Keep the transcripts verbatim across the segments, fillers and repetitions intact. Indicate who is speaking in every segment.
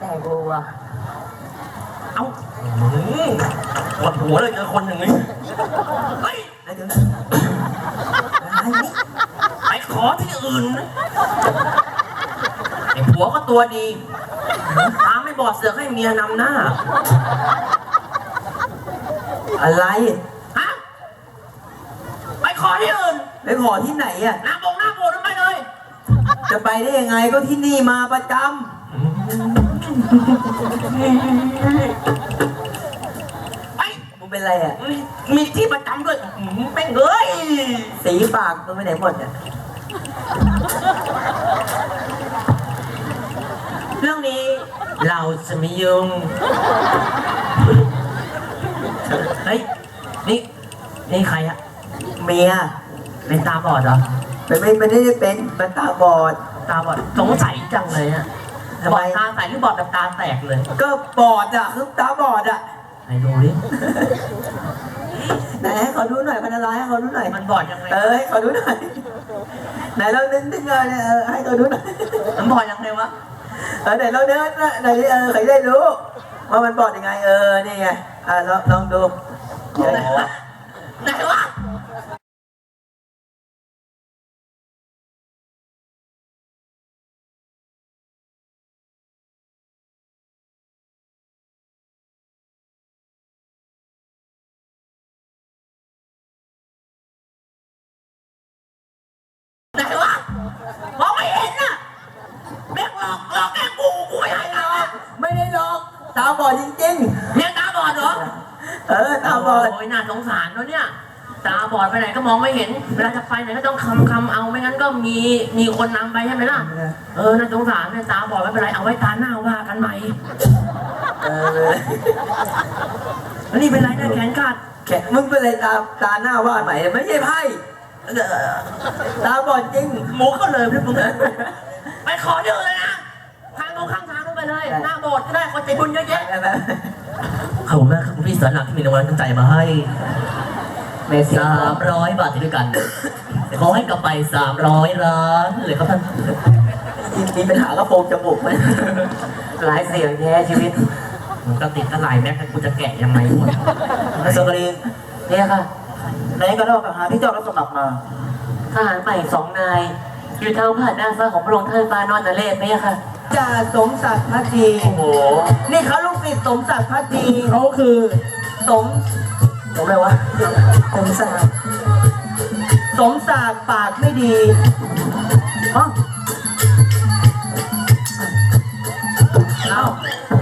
Speaker 1: แต่กูอ่ะ
Speaker 2: เอ้าปวดหัวเลยเจอคนอย่างนี้เฮ้ย
Speaker 1: แล้วเดี๋ยว
Speaker 2: ไปขอที่อื่นนะไอ้ผัวก็ตัวดีตาไม่บอดเสือกให้เมียนำหน้า
Speaker 1: อะไร
Speaker 2: ฮะไปขอที่อื่น
Speaker 1: ไปขอที่ไหนอ่ะ
Speaker 2: น้ำบงน้ำโบนไปเลย
Speaker 1: จะไปได้ยังไงก็ที่นี่มาประจำ
Speaker 2: ไอ้
Speaker 1: มึงเป็นไรอ่ะ
Speaker 2: มีที่ประจำด้วยแม่งเอ้ย
Speaker 1: สีปากมึงไปไหนหมดอ่ะ
Speaker 2: เรื่องนี้เราจะไม่ยุ่งเฮ้ยนี่นี่ใครอะ
Speaker 1: เมีย
Speaker 2: เป็นตาบอดเหรอ
Speaker 1: ไม่ไม่ไม่ได้เป็นมันตาบอด
Speaker 2: ตาบอดสงสัยจังเลยอะบอดตาใสหรือบอดแบบตาแตกเลย
Speaker 1: ก็บอดอ่ะคือตาบอดอ่ะ
Speaker 2: ไหนดูดิ
Speaker 1: ไหนให้เขาดูหน่อยมันอะไรให้เขาดูหน่อย
Speaker 2: มันบอดยังไง
Speaker 1: เออให้เขาดูหน่อยไหนเราเน้นดึงเลยเออให้เขาดูหน่อย
Speaker 2: มันบอดยังไงวะ
Speaker 1: เออไหนเราเน้นไหนเออใครได้รู้ว่ามันบอดยังไงเออนี่ไงอ่ะลองลองดู
Speaker 2: ไหนวะไหนวะไหนวะมองไม่เห็นน่ะแม่งหลอกหลอกแกล้งกูกูไม่ให้หรอก
Speaker 1: ไม่ได้หลอกตาบอดจริง
Speaker 2: ๆเนี่ยตาบอดเหรอ
Speaker 1: เออตาบอด
Speaker 2: โอ้ยน่าสงสารเนาะเนี่ยตาบอดไปไหนก็มองไม่เห็นเวลาจะไปไหนก็ต้องคำคำเอาไม่งั้นก็มีมีคนนำไปใช่ไหมล่ะเออน่าสงสารเนี่ยตาบอดไม่เป็นไรเอาไว้ตาหน้าว่ากันใหม่
Speaker 1: เออ
Speaker 2: แล้วนี่เป็นไรเนี่ยแขนขาด
Speaker 1: แขนมึงเป็นไรตาตาหน้าว่าใหม่ไม่ใช่ไพ่ตาบอดจริง
Speaker 2: หมูก็เลยพี่มึงไปขอเยอะเลยนะทางตรงข้างทางนู้นไปเลยหน้าโบสถ์ก็ได้คนใจบุญเยอะแยะขอบคุณมากครับคุณพี่สอนหลักที่มีรางวัลตั้งใจมาให้สามร้อยบาทด้วยกันขอให้กลับไปสามร้อยล้านเลยครับท่าน
Speaker 1: มีปัญหากระโปรงจมูกไหม
Speaker 2: หลายเสียงแท้ชีวิตมันก็ติดตะไลแม็กกูจะแกะยังไงหมด
Speaker 1: สกรีนเนี่ยค่ะไหนก็เล่ากับหาที่เจ้ารับสมัครมา
Speaker 3: ทหารใหม่สองนายอยู่ทางผ่านด้านซ้ายของพระองค์ท่านฟ้านอนนเรศไหมค่ะ
Speaker 1: จ่าสมศักดิ์พัทดี
Speaker 2: โอ้โห
Speaker 1: นี่เขาลูกศิษย์สมศักดิ์พัทดี
Speaker 2: เขาคือ
Speaker 1: สมสมอะไรวะสมศักดิ์สมศักดิ์ปากไม่ดีฮะเอ้า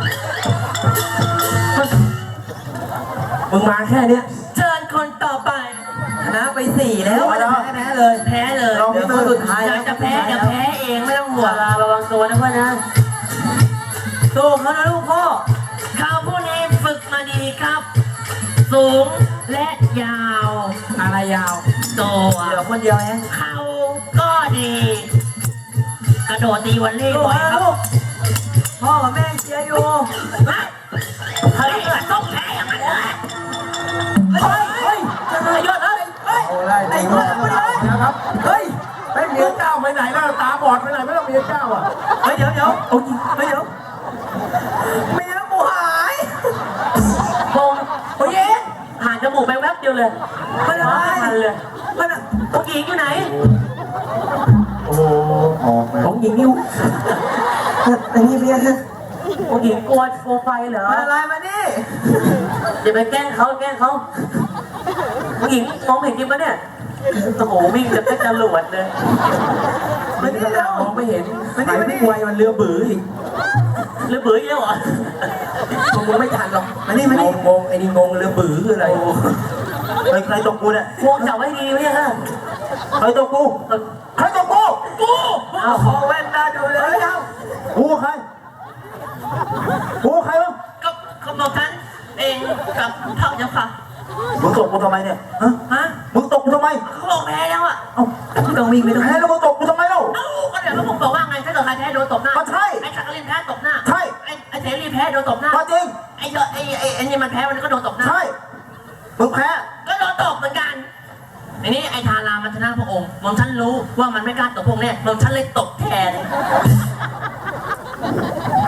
Speaker 2: มึงมาแค่เนี้ย
Speaker 1: เชิญคนต่อไปนะไปสี่แล้วแพ้แพ้เลย
Speaker 2: แพ้เลย
Speaker 1: เดี๋ยวคนสุดท้าย
Speaker 2: จะแพ้จะแพ้เองไม่ต้องห่วง
Speaker 3: ระวังตัวนะพ่อนะ
Speaker 1: สู้เขานะลูกพ่อ
Speaker 2: เขาผู้นี้ฝึกมาดีครับ สูงและยาว
Speaker 1: อะไรยาว
Speaker 2: ตัว
Speaker 1: เหลือคนเดียวเอง
Speaker 2: เขาก็ดีกระโดดตีวันเล่บ่อยครับ
Speaker 1: พ่อกับแม่เชียร์อยู่
Speaker 2: เฮ้ยต้องแพ้อย่างนั้นเลย
Speaker 1: เฮ้ยเฮ้ยจะเลยยอดเฮ้ยเฮ้ยไอ้เหี้ยนะครับเฮ้ย
Speaker 4: ไอ้เมียเจ้าไปไหนแล้วตาบอดไปไหนไม่ต้องเมียเจ้าอ่ะ
Speaker 1: เฮ้ยเดี๋ยวเดี๋ยวโอ้ยเฮ้ยเดี๋ยวเมียกูหาย
Speaker 3: มงโอ้ยผ่านจมูกไปแวบเดียวเลย
Speaker 1: ไม่ได้
Speaker 3: ทันเลย
Speaker 1: มัน
Speaker 3: องค์หญิงอยู่ไหน
Speaker 1: โอ้โหองค์หญิงนิ้วอันนี้เมียฮะ
Speaker 3: องค์หญิงกลัวโฟไฟเหรอ
Speaker 1: อะไรมานี่
Speaker 3: เดี๋ยวไปแกล้งเขาแกล้งเขาองค์หญิงมองเห็นจริงปะเนี่ยโอ้โหวิ่งจะเป็นจรวดเลย
Speaker 1: มันนี่เรา
Speaker 4: มองไม่เห็น
Speaker 1: มันนี่มันนี่
Speaker 4: ไวมันเรือบื้ออีก
Speaker 3: เรือบื้ออีกแล้วเหรอ
Speaker 1: มึงไม่ทันหรอกมันนี่มันนี่
Speaker 4: งงไอ้นี่งงเรือบื้อคืออะไรใครใครตกกูเนี่ยว
Speaker 3: งจับไว้ดีไหมฮะ
Speaker 4: ใครตกกูใครตกกู
Speaker 2: กู
Speaker 1: เอาคอแว่นตาดูเลยเอ้า
Speaker 4: กูใครกูใครวะ
Speaker 2: ก็เขาบอกท่านเองกับเท่าเจ้าค่ะ
Speaker 4: มึงตกกูทำไมเนี่ยฮะ
Speaker 2: ฮะ
Speaker 4: มึงตกกูทำไม
Speaker 2: เขาบอกแพ้แล้วอ่ะ
Speaker 1: เอ้ามึงต้องวิ่งไปต้อง
Speaker 4: แพ้แล้วมึงตกกูทำไมเล่า
Speaker 2: เอ้าก็เดี๋ยวเขาบอกว่าไงถ้าเกิดใครแพ้โดนตบหน้า
Speaker 4: ใช่
Speaker 2: ไอ้ชักกะลินแพ้ตบหน้า
Speaker 4: ใช่
Speaker 2: ไอ้ไอ้เสรีแพ้โดนตบหน้า
Speaker 4: จริง
Speaker 2: ไอ้เจอไอ้ไอ้ไอ้นี่มันแพ้มันก็โดนตบหน้า
Speaker 4: ใช่มึงแพ้
Speaker 2: ก็โดนตบเหมือนกันอันนี้ไอ้ทารามันชนะพระองค์มองฉันรู้ว่ามันไม่กล้าตบพระองค์เนี่ยมองฉันเลยตบแทน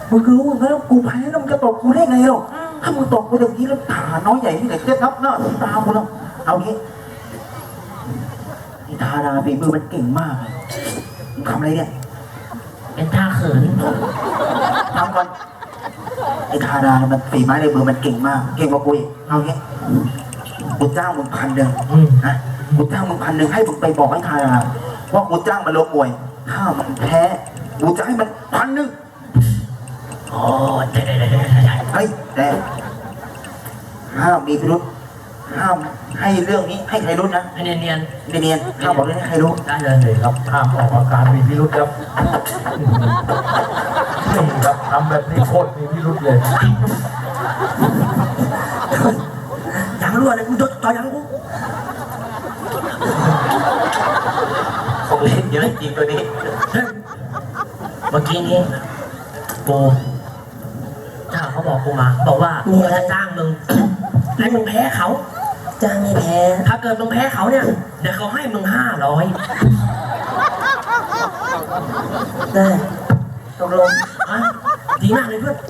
Speaker 4: มึงรู้ไหมว่ากูแพ้แล้วมึงจะตบกูได้ไงหรอถ้ามึงตบกูอย่างนี้แล้วฐานน้อยใหญ่ที่ไหนจะนับหน้าตากูแล้วเอางี้ไอ้ทาราฝีมือมันเก่งมากเลยมึงทำอะไรเนี่ย
Speaker 2: เป็นท่าเขิน
Speaker 4: ทำก่อนไอ้ทารามันฝีไม้ลายมือมันเก่งมากเก่งกว่ากูอีกเอางี้กูจ้างมึงพันหนึ่งนะกูจ้างมึงพันหนึ่งให้มึงไปบอกให้ทาราว่ากูจ้างมันลงมวยถ้ามันแพ้กูจะให้มันพันหนึ่ง
Speaker 2: โอ้ได้ได้ได้ได้ได้
Speaker 4: เฮ้ยแต่ห้ามมีพิรุษห้ามให้เรื่องนี้ให้ใครรู้นะ
Speaker 2: ให้เนียนเนียน
Speaker 4: เนียนๆห้ามบอกเลยให้ใครรู้
Speaker 2: ได้เลยครับ
Speaker 5: ห้ามออกอาการมีพิรุษครับนี่ครับทำแบบนี้โคตรมีพิรุษเลย
Speaker 2: ยังรั่วเลยกูจดจอยังกู
Speaker 3: คงเล่นเยอะจริงตัวนี้
Speaker 2: เมื่อกี้นี้กูถ้าเขาบอกกูมา บอกว่ากูจะจ้างมึงให้มึงแพ้เขา
Speaker 1: จ้างไม่แพ้
Speaker 2: ถ้าเกิดมึงแพ้เขาเนี่ยเดี๋ยวเขาให้มึงห้าร้อย
Speaker 1: ได้ตกลง
Speaker 2: อ่ะดีมากเลยเพื่อน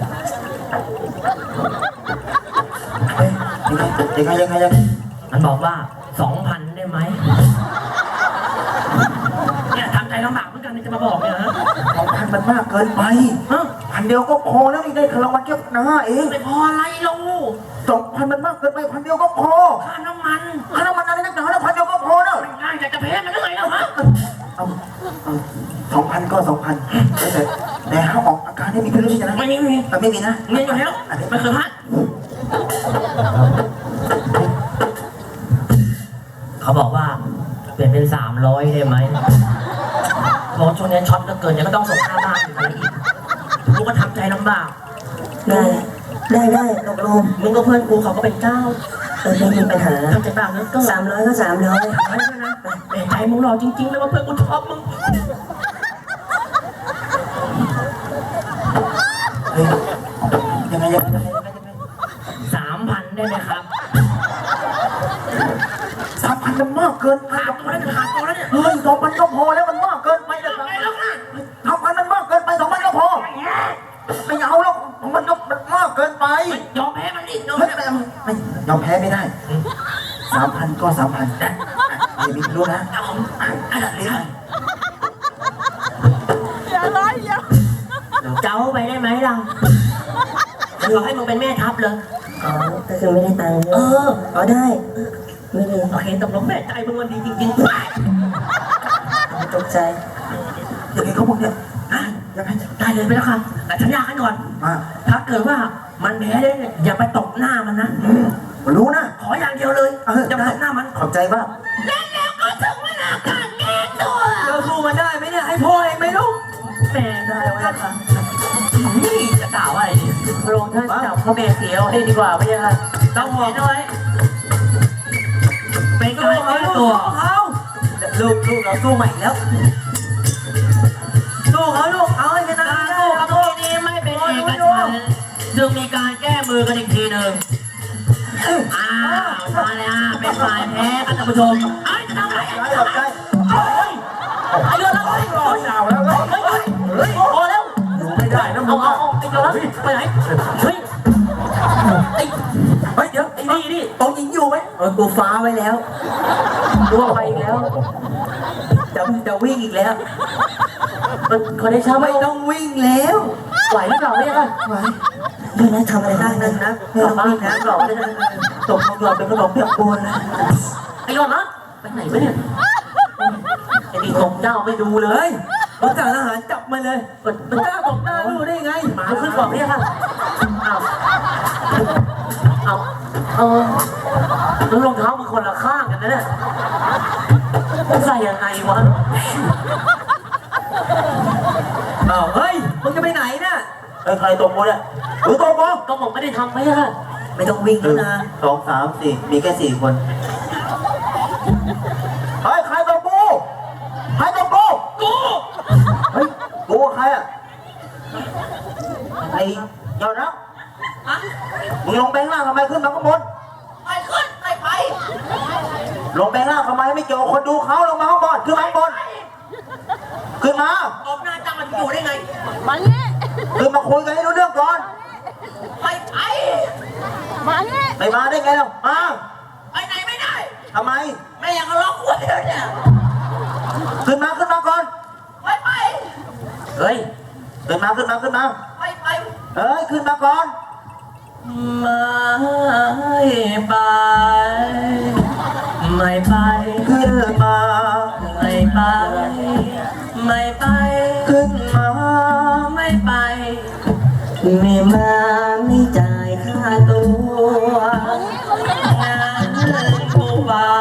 Speaker 4: เฮ้ยยังไงยังไงยังไง
Speaker 2: มันบอกว่าสองพันได้ไหมเนี่ยทำใจลำบากเหมือนกันจะมาบอกเนี่ยฮะ
Speaker 4: สองพันมันมากเกินไป
Speaker 2: ฮะ
Speaker 4: พันเดียวก็พอแล้วนี่ได้คารางวัลแค่พันห้าเอง
Speaker 2: ไม่พออะไรลง
Speaker 4: สองพันมันมากเกินไปพันเดียวก็พอ
Speaker 2: ค่าน้ำมัน
Speaker 4: ค่าน้ำมันอะไรนักหนาแล้วพันเดียวก็พอแล้ว
Speaker 2: ง่ายแต่จะแพ้มันได้ไงแล้วฮะ
Speaker 4: เอาเอาสองพันก็สองพันแต่แต่ห้ามออกอาการให้มีพิรุษใช่ไหม
Speaker 2: ไม่มีไม่มี
Speaker 4: แต่ไม่มีนะ
Speaker 2: เงินอยู่แล้วไม่เคยพลาดเขาบอกว่าเปลี่ยนเป็นสามร้อยได้ไหมเพราะช่วงนี้ช็อตเหลือเกินยังก็ต้องส่งค่าบ้านอยู่เลยอีกกูก็ทำใจลำบาก
Speaker 1: ได้ได้ได้ตกลง
Speaker 2: มึงก็เพื่อนกูเขาก็เป็นเจ้า
Speaker 1: เออไม่มีปัญหา
Speaker 2: ทำใจลำบากเหลือเกิน
Speaker 1: สามร้อยก็สามร้อย
Speaker 2: ไม่ได้นะแต่ใจมึงหล่อจริงๆเลยว่าเพื่อนกูชอบมึง
Speaker 4: เฮ้ยยังไงยังไงยังไงยังไง
Speaker 2: สามพันได้ไหมครับ
Speaker 4: สามพันมันมากเกินไป
Speaker 2: ขาดตัวแล้วเนี่ยขาดตัวแล้วเนี่ย
Speaker 4: เฮ้ยสองพันก็พอแล้วมันมากเกินไปเลย
Speaker 2: ไงแล้วนะ
Speaker 4: สองพันมันมากเกินไปสองพันก็พอไม่เอาแล้วมันก็มันมากเกินไป
Speaker 2: ยอมแพ้มันดิยอม
Speaker 4: เฮ้ย
Speaker 2: แพ้
Speaker 4: ไม่ไม่ยอมแพ้ไม่ได้สามพันก็สามพันอย่ามีพิรุธนะ
Speaker 2: เอาผมอ่ะเดี๋ยว เจ้าไปได้ไหมเรามันบอกให้มึงเป็นแม่ทัพเลย
Speaker 1: อ๋อก็คือไม่ได้ตังค์
Speaker 2: เออ
Speaker 1: อ๋อได้ไม่ดี
Speaker 2: โอเคตกลงแม่ใจมึงมันดีจริงๆ
Speaker 1: ตกใจ
Speaker 4: อย่างไงเขาบอกเนี่ยยังไง
Speaker 2: ได้เลยไปแล้วค่ะแต่สัญญากันก่อน
Speaker 4: มา
Speaker 2: ถ้าเกิดว่ามันแพ้ได้เนี่ยอย่าไปตบหน้ามันนะ
Speaker 4: รู้นะ
Speaker 2: ขออย่างเดียวเลย
Speaker 4: เออ
Speaker 2: อย่าไปตบหน้ามัน
Speaker 4: ขอบใจมาก
Speaker 2: แล้วก็ถึงเวลาการแก้ตัว
Speaker 1: เราสู้มันได้ไหมเนี่ยให้พ่อเองไหมลูก
Speaker 2: แม่ได้ไว้ค่ะนี่จะกล่าวว่าอะไรดี
Speaker 1: ลงท่านจับพ่อแม่เสียเอาให้ดีกว่าไม่ใช่ไหม
Speaker 2: ต้องหอมเอาไว้เป็นการแก้ตัว
Speaker 1: เขาลูกลูกเราสู้ใหม่แล้วสู้เขาลูกเอาให้ชนะ
Speaker 2: การ
Speaker 1: ได้
Speaker 2: สู้
Speaker 1: ค
Speaker 2: กั
Speaker 1: รั
Speaker 2: บบ เมื่อกี้นี้ไม่เป็นเอกฉันท์จึงมีการแก้มือกันอีกทีหนึ่งอ้าวมาเลยอ่ะเป็นฝ่ายแพ้กันท่านผู้ชมเอ้ยจะทำอะไร
Speaker 4: ใจขอบใจ
Speaker 2: เฮ้ยไอ้เดือดแล้วเฮ้ย
Speaker 5: รอดาวแล้ว
Speaker 2: เฮ้ยเฮ้ยเฮ้ยพอแล้ว
Speaker 5: อยู่ไม่ได้นะมึ
Speaker 2: เอา
Speaker 5: ง
Speaker 2: เอาเอาไอ้เดือดแล้วไปไหนเฮ้ยไอ้
Speaker 1: เฮ้ยเดี๋ยว
Speaker 2: ไอ้นี่นี่
Speaker 1: ตรงยิงอยู่ไหมเออกูฟ้าไว้แล้วกูว่าไปอีกแล้วจะจะวิ่งอีกแล้วมันคนได้ช้าไม่ต้องวิ่งแล้วไหวหรือเปล่าเนี่ยไหวเดี๋ยวนะทำอะไรได้นั่นนะไม่ต้องวิ่งนะหลอกได้นะตกของหลอกเป็นขนมเปียกปูนนะ
Speaker 2: ไอ้หลอดนะไปไหนวะเนี่ย
Speaker 1: ไอ้นี่ตกเจ้าไม่ดูเลยมันจ่าทหารจับมาเลยมันกล้าตกหน้าดูได้ไงมันขึ้นบอกเนี่ยค่ะเอาเอาเอาแล้วรองเท้ามันคนละข้างกันนะเนี่ยมันใส่ยังไงวะอ้าวเฮ้ยมึงจะไปไหนเนี่ย
Speaker 4: เฮ้ยใครตบกูเนี่ยหรือตบกู
Speaker 1: ก็ผมไม่ได้ทำไม่ใช่ค่ะไม่ต้องวิ่ง
Speaker 4: หนึ่
Speaker 1: แล้ว
Speaker 4: ง
Speaker 1: นะ
Speaker 4: สองสามสี่มีแค่สี่คนเฮ้ยใครตบกูใครตบกู
Speaker 2: กู
Speaker 4: เฮ้ยกูใครอ่ะไอ้ยอดนะ
Speaker 2: ฮะ
Speaker 4: มึงลงแบงค์ล่างทำไมขึ้นมาข้างบน
Speaker 2: ไปขึ้นไปไป
Speaker 4: ลงแบงค์ล่างทำไมไม่เกี่ยวกับคนดูเขาลงมาข้างบนขึ้นมาข้างบนขึ้นมา
Speaker 2: ตบหน้าจังมันอยู่ได้ไง
Speaker 6: มาเนี่ย
Speaker 2: ไ
Speaker 4: คือมาคุยกันให้รู้เรื่องก่อน
Speaker 2: ไม่ไป
Speaker 4: ไม่มาได้ไงเรามา
Speaker 2: ไปไหนไม่ได้
Speaker 4: ทำไม
Speaker 2: แม่ยังล็อกไว้เลยเนี่ย
Speaker 4: ขึ้นมาขึ้นมาก่อน
Speaker 2: ไม่ไป
Speaker 3: เฮ้ย
Speaker 4: ขึ้นมาขึ้นมาขึ้นมา
Speaker 2: ไม่ไป
Speaker 4: เอ้ยขึ้นมาก่อน
Speaker 2: ไม่ไป ไม่ไป
Speaker 4: ขึ้นมา
Speaker 2: ไม่ไป ไม่ไป
Speaker 4: ขึ้นมา
Speaker 2: ไม่ไป
Speaker 3: ไม่มาไม่จ่ายค่าตัว
Speaker 2: งานกูบ้า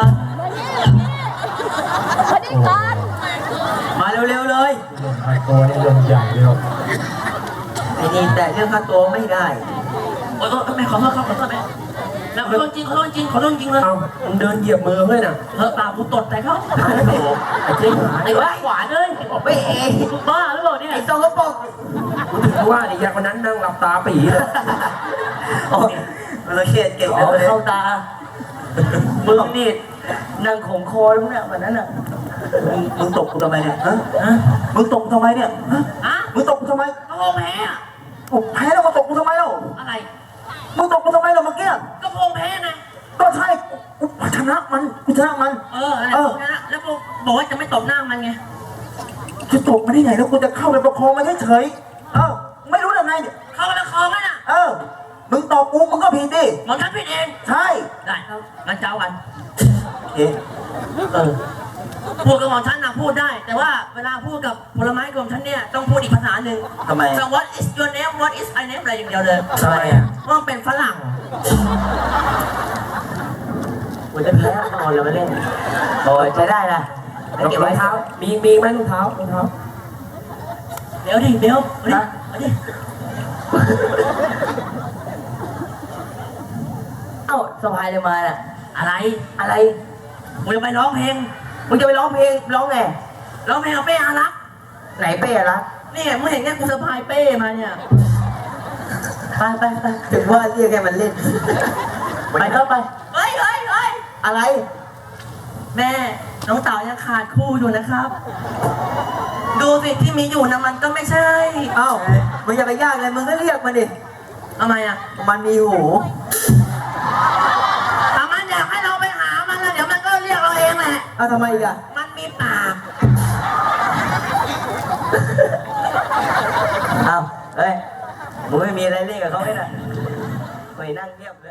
Speaker 1: มาเร็วๆเลย
Speaker 5: เรื่องไอ้ตัวนี่เรื่องใหญ่เลยครับ
Speaker 1: ไอ้นี่แต่เรื่องค่าตัวไม่ได้
Speaker 2: โอ๊ยโอ๊ยแม่ขอโทษครับขอโทษแม่แล้วขอโทษจริงขอโทษจริงขอโทษจริงเลย
Speaker 1: เอามึงเดินเหยียบมือเพื่อนน่ะ
Speaker 2: เออปากกูตดแต่เขา
Speaker 1: โอ้โหไอ้เจ๊หาย
Speaker 2: ไอ้ว่าขวานเลย
Speaker 1: ไม่เอง
Speaker 2: บ้าหรือเปล่าเนี่ย
Speaker 1: ไอ้ตรงกระปกกูถึงว่าไอ้ยาคนนั้นนั่งหลับตาปีเลย
Speaker 3: โอ้ย
Speaker 4: มันเครียดเก่ง
Speaker 3: เอา
Speaker 4: เลย
Speaker 3: เข้าตามึงนี่นั่งขมคอแล้วเนี่ยวันนั้นอ่ะ
Speaker 4: มึงมึงตกกูทำไมเนี่ยฮะฮะมึงตกกูทำไมเนี่ยฮะ
Speaker 2: ฮะ
Speaker 4: มึงตกกูทำไม
Speaker 2: กระโปงแพ้อะ
Speaker 4: โอ้แพ้แล้วมาตกกูทำไมเล่า
Speaker 2: อะไร
Speaker 4: มึงตกกูทำไมเล่าเมื่อกี้
Speaker 2: กระโปงแพ้ไง
Speaker 4: ก็ใช่กูกูชนะมันกูชนะมัน
Speaker 2: เอออะไรพวกนั้นอะแล้วกูบอกว่าจะไม่ตบหน้ามันไง
Speaker 4: จะตกมาได้ไงแล้วกูจะเข้าไปประคองมันเฉยๆเออไม่รู้ยังไงเนี่ย
Speaker 2: เข้ามาละคอมันอ่ะ
Speaker 4: เออมึงตอบกูมึงก็ผิดดิ
Speaker 2: หมอฉันผิดเอง
Speaker 4: ใช่
Speaker 2: ได้งั้นเจ้ากัน
Speaker 4: เอ๊ะ
Speaker 3: เออ
Speaker 2: พูดกับหมอฉันนะพูดได้ แต่ว่าเวลาพูดกับผลไม้กับหมอฉันเนี่ยต้องพูดอีกภาษาหนึ่ง
Speaker 4: ทำไม
Speaker 2: แต่ what is your name what is my name อะไรอย่างเดียวเลย
Speaker 4: ทำไมอ่ะ
Speaker 2: เพราะมันเป็นฝรั่ง
Speaker 3: กูจะแพ้นอนแล้วมาเล่นโอ้ยใช้ได้นะแล้วเก็บ
Speaker 1: รอ
Speaker 3: ไว้
Speaker 1: งเท้า มีมีไหมรองเท้ารองเท้า
Speaker 2: เดี๋ยวดิเดี๋ยวเอาดิเอาดิ
Speaker 3: เอ้าสบายเลยมาน่ะ
Speaker 2: อะไร
Speaker 3: อะไร
Speaker 2: มึงจะไปร้องเพลง
Speaker 3: มึงจะไปร้องเพลงร้องไง
Speaker 2: ร้องเพลงกับเป้อารักษ์
Speaker 3: ไหนเป้อะละ
Speaker 2: นี่มึงเห็นไงกูสะพายเป้มาเนี่ย
Speaker 3: ไปไปไปถึงว่าเรียกแกมันเล่น ไปเข้าไป
Speaker 2: เฮ้ยเฮ้ยเฮ้ย
Speaker 3: อะไร
Speaker 2: แม่น้องเต๋ายังขาดคู่อยู่นะครับ ดูสิที่มีอยู่นะมันก็ไม่ใช่
Speaker 3: เอ้ามึงอย่าไปยากเลยมึงก็เรียกมันดิ
Speaker 2: ทำไมอ่ะ
Speaker 3: มันมีหู
Speaker 2: ถ้ามันอยากให้เราไปหามันแล้วเดี๋ยวมันก็เรียกเราเองแหละ
Speaker 3: เอาทำไมอีกอะ
Speaker 2: มันมีปาก
Speaker 3: เอ้าเฮ้ยมึงไม่มีอะไรเรียกกับเขาไหมน่ะไปนั่งเงียบ